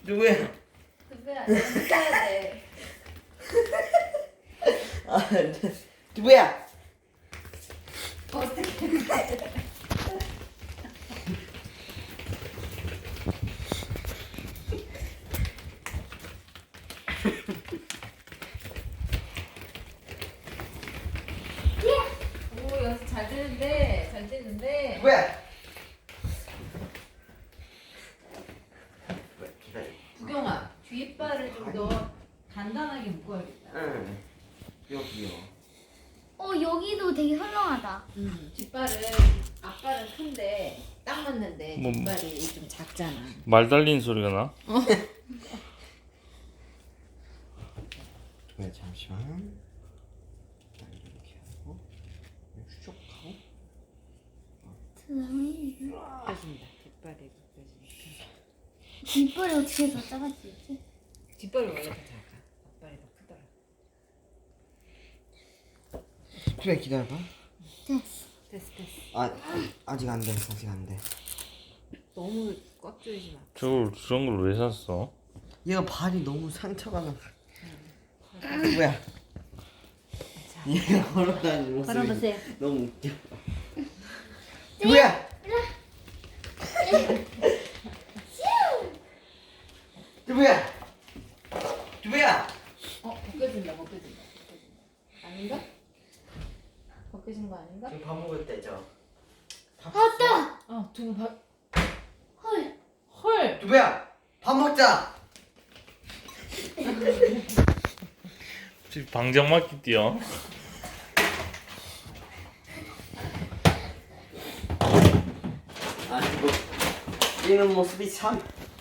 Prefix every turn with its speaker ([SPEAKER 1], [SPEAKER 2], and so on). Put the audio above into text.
[SPEAKER 1] 누구야?
[SPEAKER 2] 두배야, 너무 써야 돼.
[SPEAKER 1] 아, 누구야?
[SPEAKER 2] 어떻게? 오, 연습 잘 되는데, 잘 되는데.
[SPEAKER 1] 누구야? 기다려.
[SPEAKER 2] 구경아, 뒷발을 좀 더 단단하게 묶어야겠다.
[SPEAKER 1] 응. 여기요.
[SPEAKER 3] 여기도 되게 헐렁하다.
[SPEAKER 2] 뒷발은 앞발은 큰데 딱 맞는데
[SPEAKER 4] 뭐-
[SPEAKER 2] 뒷발이 좀 작잖아.
[SPEAKER 4] 말 달리는 소리가 나?
[SPEAKER 1] 네, 잠시만. 자, 이렇게 하고 쭉 하고.
[SPEAKER 2] 펴진다. 뒷발이 펴지니까.
[SPEAKER 3] 뒷발이 어떻게 더 작아지지?
[SPEAKER 2] 뒷발이 원래 더 작아. 앞발이 더 크더라.
[SPEAKER 1] 그래, 기다려봐.
[SPEAKER 3] 됐어.
[SPEAKER 2] 됐어.
[SPEAKER 1] 아직 안 돼. 아직 안 돼.
[SPEAKER 2] 너무 꽉 조이지 마.
[SPEAKER 4] 저런 걸 왜 샀어?
[SPEAKER 1] 얘가 발이 너무 상처가 나. 누구야? 얘가 걸어다니는 모습이
[SPEAKER 2] 걸어보세요.
[SPEAKER 1] 너무 웃겨. 누구야? 누구야? 누구야?
[SPEAKER 2] 벗겨진다. 아닌가? 벗겨진 거 아닌가?
[SPEAKER 1] 지금 밥 먹을 때죠.
[SPEAKER 3] 왔다.
[SPEAKER 2] 두부 밥.
[SPEAKER 3] 헐.
[SPEAKER 2] 헐.
[SPEAKER 1] 누구야? 밥 먹자.
[SPEAKER 4] 지금 방정 맞기 뛰어.
[SPEAKER 1] 아, 이거 뛰는 모습이 참